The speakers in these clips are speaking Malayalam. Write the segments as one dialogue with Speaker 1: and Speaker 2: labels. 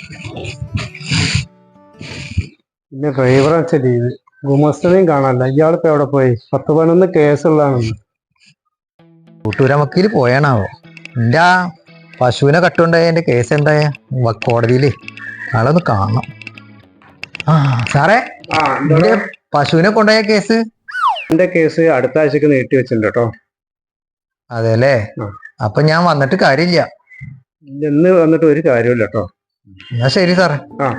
Speaker 1: പിന്നെ ഡ്രൈവർ വെച്ച ലീവ് ഗുമസ്തനെയും കാണാനില്ല. ഇയാളിപ്പോ എവിടെ പോയി? 10-11 കേസുള്ളതാണെന്ന്.
Speaker 2: കൂട്ടൂരാൻ വക്കീൽ പോയാണാവോ? എന്റെ ആ പശുവിനെ കട്ടുണ്ടായ എന്റെ കേസ് എന്തായ കോടതിയില് ആളൊന്ന് കാണണം. ആ സാറേ, എന്റെ പശുവിനെ കൊണ്ടുപോയ കേസ്
Speaker 1: എന്റെ കേസ് അടുത്ത ആഴ്ചക്ക് നീട്ടി വെച്ചിട്ടുണ്ട് കേട്ടോ.
Speaker 2: അതെ അല്ലേ? അപ്പൊ ഞാൻ വന്നിട്ട് കാര്യമില്ല.
Speaker 1: ഇന്ന് വന്നിട്ട് ഒരു കാര്യമില്ല കേട്ടോ.
Speaker 2: എന്നാ ശരി സാറേ.
Speaker 1: ആ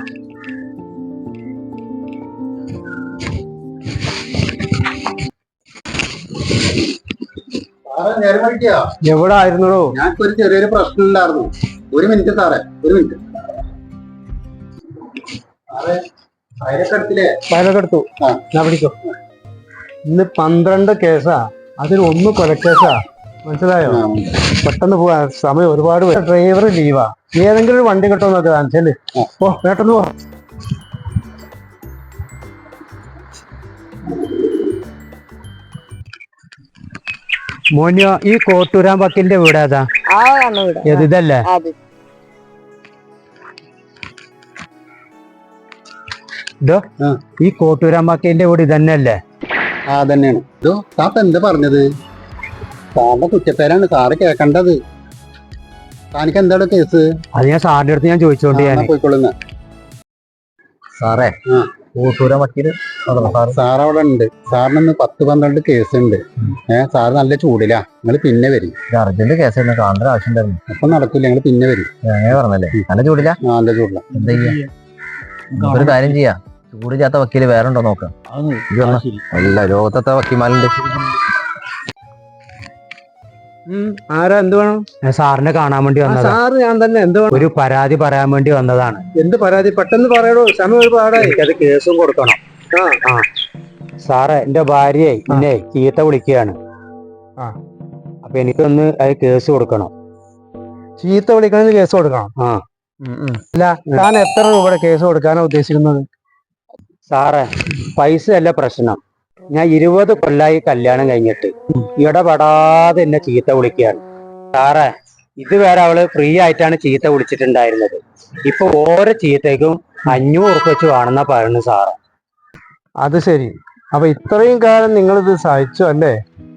Speaker 1: എവിടെ ആയിരുന്നോ?
Speaker 3: ഞങ്ങൾക്ക് ഒരു ചെറിയൊരു പ്രശ്നമില്ലായിരുന്നു. ഒരു മിനിറ്റ് സാറേ, ഒരു മിനിറ്റ്.
Speaker 1: ഫയലൊക്കെ എടുത്തു. ഞാൻ പിടിക്കോ. ഇന്ന് 12 കേസാ, അതിൽ 1 കൊലക്കേസാ. മനസ്സിലായോ? പെട്ടെന്ന് പോവാ, സമയം ഒരുപാട്. ഡ്രൈവർ ലീവാ. ഏതെങ്കിലും ഒരു വണ്ടി കിട്ടുമോ നോക്ക്. കാണിച്ചല്ലേ. ഓ പെട്ടെന്ന് പോ. മോനിയോ, ഈ കോട്ടൂരാൻ വക്കീലിന്റെ വീട് ഏതാ? ഇതല്ലേ? ഇതോ ഈ കോട്ടൂരാൻ വക്കീലിന്റെ വീട് ഇതന്നെയല്ലേ?
Speaker 3: ആ തന്നെയാണ്. ഇതോ സാപ്പ് എന്താ പറഞ്ഞത്? സാറിന്റെ കുറ്റപ്പേരാണ് സാറ് കേൾക്കേണ്ടത്. താനിക്ക് എന്താണ് കേസ്?
Speaker 1: അത് ഞാൻ സാറിന്റെ അടുത്ത് ഞാൻ ചോദിച്ചോണ്ട്
Speaker 3: പോയിക്കൊള്ളുന്ന
Speaker 2: സാറേ, കൂട്ടൂരാൻ വക്കീല്
Speaker 3: സാർ അവിടെ ഉണ്ട്. സാറിനൊന്ന് 10-12 കേസ് ഉണ്ട്. സാറ് നല്ല ചൂടിലാ. നിങ്ങൾ പിന്നെ വരും.
Speaker 2: അർജന്റ് കേസ് കാണേണ്ട ആവശ്യം ഉണ്ടായിരുന്നു.
Speaker 3: അപ്പൊ നടക്കില്ല, ഞങ്ങൾ പിന്നെ വരും.
Speaker 2: പറഞ്ഞല്ലേ നല്ല ചൂടില്ല?
Speaker 3: നല്ല ചൂടില.
Speaker 2: എന്താ ചെയ്യാ? ഒരു കാര്യം ചെയ്യാ, ചൂടില്ലാത്ത വക്കീല് വേറെ ഉണ്ടോ നോക്കാം. അല്ല, ലോകത്തെ വക്കീമാലുണ്ട്.
Speaker 1: ആരാ? എന്ത് വേണം? സാറിനെ കാണാൻ വേണ്ടി വന്നത്. സാറ് ഞാൻ തന്നെ. എന്ത് വേണം? ഒരു പരാതി പറയാൻ വേണ്ടി വന്നതാണ്. എന്ത് പരാതി? പെട്ടെന്ന് പറയണോ, സമയം ഒരുപാടായി. എനിക്കത് കേസും കൊടുക്കണം. ആ സാറേ, എന്റെ ഭാര്യയെ എന്നെ ചീത്ത വിളിക്കുകയാണ്. അപ്പൊ എനിക്കൊന്ന് അത് കേസ് കൊടുക്കണം. ചീത്ത വിളിക്കണമെന്ന് കേസ് കൊടുക്കണം? അല്ല, താൻ എത്ര രൂപയുടെ കേസ് കൊടുക്കാനാണ് ഉദ്ദേശിക്കുന്നത്? സാറേ, പൈസ അല്ല പ്രശ്നം. ഞാൻ 20 കൊല്ലായി കല്യാണം കഴിഞ്ഞിട്ട് ഇടപെടാതെ എന്നെ ചീത്ത വിളിക്കുകയാണ്. സാറേ, ഇതുവരെ അവള് ഫ്രീ ആയിട്ടാണ് ചീത്ത വിളിച്ചിട്ടുണ്ടായിരുന്നത്. ഇപ്പൊ ഓരോ ചീത്തയ്ക്കും 500 ഉറുപ്പിക വെച്ച് വേണമെന്നാ പറയുന്നത് സാറ്. അത് ശരി. അപ്പൊ ഇത്രയും കാലം നിങ്ങളിത് സഹിച്ചു അല്ലേ?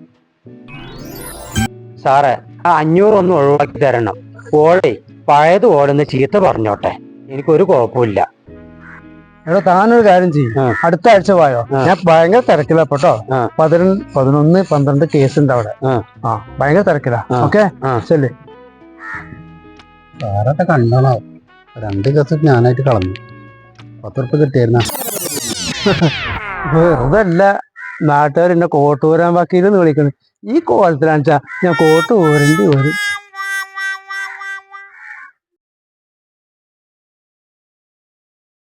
Speaker 1: സാറേ, ആ 500 ഒന്ന് ഒഴിവാക്കി തരണം. ഓളെ പഴയത് ഓടുന്ന ചീത്ത പറഞ്ഞോട്ടെ, എനിക്കൊരു കുഴപ്പമില്ല. എടോ, താനൊരു കാര്യം ചെയ്യും. അടുത്ത ആഴ്ച പോയോ? ഞാൻ ഭയങ്കര തിരക്കില്ല കേട്ടോ. 11-12 കേസ് ഉണ്ട് അവിടെ. ഭയങ്കര തിരക്കില്ല. ഓക്കെ, ശരി.
Speaker 3: സാറൊക്കെ കണ്ടോളോ. 2 കേസ് ഞാനായിട്ട് കളഞ്ഞു. 10 ഉറുപ്പിക കിട്ടിയായിരുന്ന.
Speaker 1: വെറുതല്ല നാട്ടുകാർ എന്നെ കോട്ടൂരാൻ വക്കീലെന്ന് വിളിക്കുന്നത്. ഈ കോലത്തിലാണെച്ചാ ഞാൻ കോട്ട് ഊരേണ്ടി വരും.